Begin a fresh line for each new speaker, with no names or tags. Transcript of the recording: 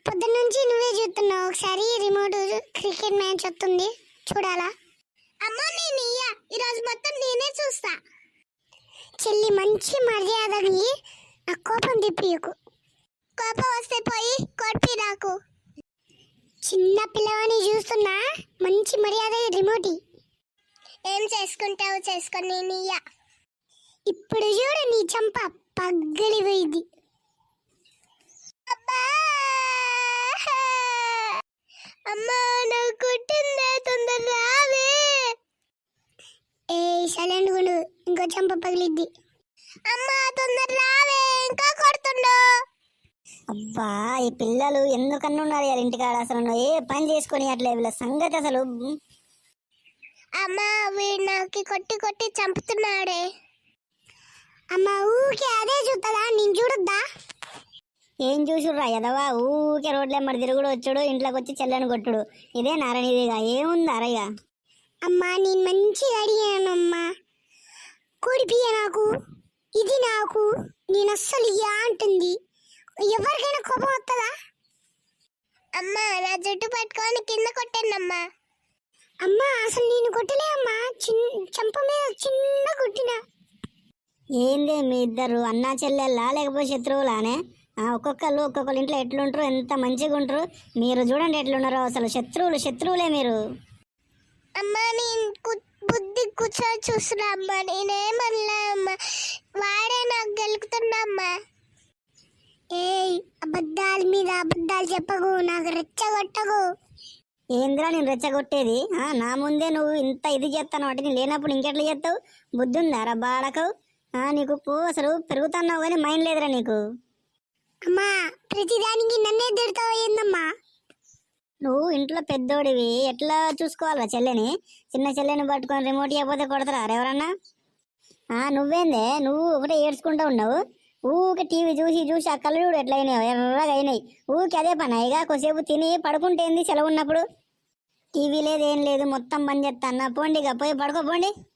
పొద్దున్న నుంచి నువ్వే చూస్తున్నావు. ఒకసారి రిమోట్ క్రికెట్ మ్యాచ్ వస్తుంది, చూడాలా?
అమ్మా నేను ఈరోజు మొత్తం నేనే చూస్తా.
చెల్లి మంచి మర్యాదని నా కోపం తిప్పియకు.
కోపం వస్తే పోయి కొట్టి నాకు.
చిన్న పిల్లవాని చూస్తున్నా, మంచి మర్యాద రిమోట్.
ఏం చేసుకుంటావు చేసుకొని నేను
ఇప్పుడు చూడు నీ చంప పగ్గలిపోయింది.
అమ్మా నాకు కొట్టిందే, తొందర రావే.
ఏ సైలెంట్ గుండు, ఇంకో చంప పగిలిద్ది.
అమ్మా తొందర రావే, ఇంకా కొడుతుండు.
అబ్బా ఈ పిల్లలు ఎందుకన్నా ఉన్నారు వాళ్ళ ఇంటికాడ, అసలు ఏ పని చేసుకొని అట్లే వీళ్ళ సంగతి అసలు.
అమ్మా వీడు నాకు కొట్టి కొట్టి చంపుతున్నాడే.
అమ్మ ఊకే అదే చూస్తుందా, నేను చూడొద్దా?
ఏం చూసుర్రా ఎదవా, ఊకే రోడ్లెమ్మడి తిరుగుడు వచ్చుడు, ఇంట్లోకి వచ్చి చెల్లని కొట్టుడు, ఇదే నారనిదిగా ఏముంది అరయ్య.
అమ్మా నేను మంచిగా అడిగానమ్మా, కొడిపియ నాకు, ఇది నాకు, నేను అస్సలు ఇయ్యా అంటుంది. ఎవరికైనా కోపం వస్తుందా?
అమ్మా నా జుట్టు పట్టుకొని కింద కొట్టానమ్మా.
అమ్మా అసలు నేను కొట్టలే అమ్మా, చంప మీద చిన్న కొట్టినా.
ఏందే మీ ఇద్దరు అన్నా చెల్లెల్లా లేకపోతే శత్రువులానే? ఒక్కొక్కరు ఇంట్లో ఎట్లుంటారు, ఎంత మంచిగా ఉంటారు. మీరు చూడండి ఎట్లున్నారో, అసలు శత్రువులే మీరు.
అమ్మా నేను బుద్ధి కూర్చొని చూస్తున్నా అమ్మా, నేనేమన్నా అమ్మా, వాడే నాకు గెలుకుతున్నా అమ్మా.
ఏయ్ అబద్ధాల మీద అబద్ధాలు చెప్పకు, నాకు రెచ్చగొట్టకు.
ఏంద్రా నేను రెచ్చగొట్టేది? నా ముందే నువ్వు ఇంత ఇది చేస్తాను వాటి, నేను లేనప్పుడు ఇంకెట్లా చేస్తావు? బుద్ధి ఉందా రా బాడకు? నీకు అసలు పెరుగుతున్నావు కానీ మైండ్ లేదురా నీకు.
అమ్మా ప్రతిదానికి నన్నే తిడతావు ఏందమ్మా?
నువ్వు ఇంట్లో పెద్దోడివి, ఎట్లా చూసుకోవాలా చెల్లెని? చిన్న చెల్లెని పట్టుకొని రిమోట్ ఇవ్వకపోతే కొడతారా ఎవరన్నా? నువ్వేందే నువ్వు ఒకటే ఏడ్చుకుంటూ ఉన్నావు. ఊకే టీవీ చూసి చూసి ఆ కళ్ళు చూడు ఎట్లా అయినాయి, ఎర్రగా అయినాయి. ఊరికి అదే పని ఇక కొద్దిసేపు తిని పడుకుంటేంది సెలవు ఉన్నప్పుడు. టీవీ లేదు ఏం లేదు, మొత్తం బంద్ చేస్తా. పోండి ఇక పోయి పడుకోపోండి.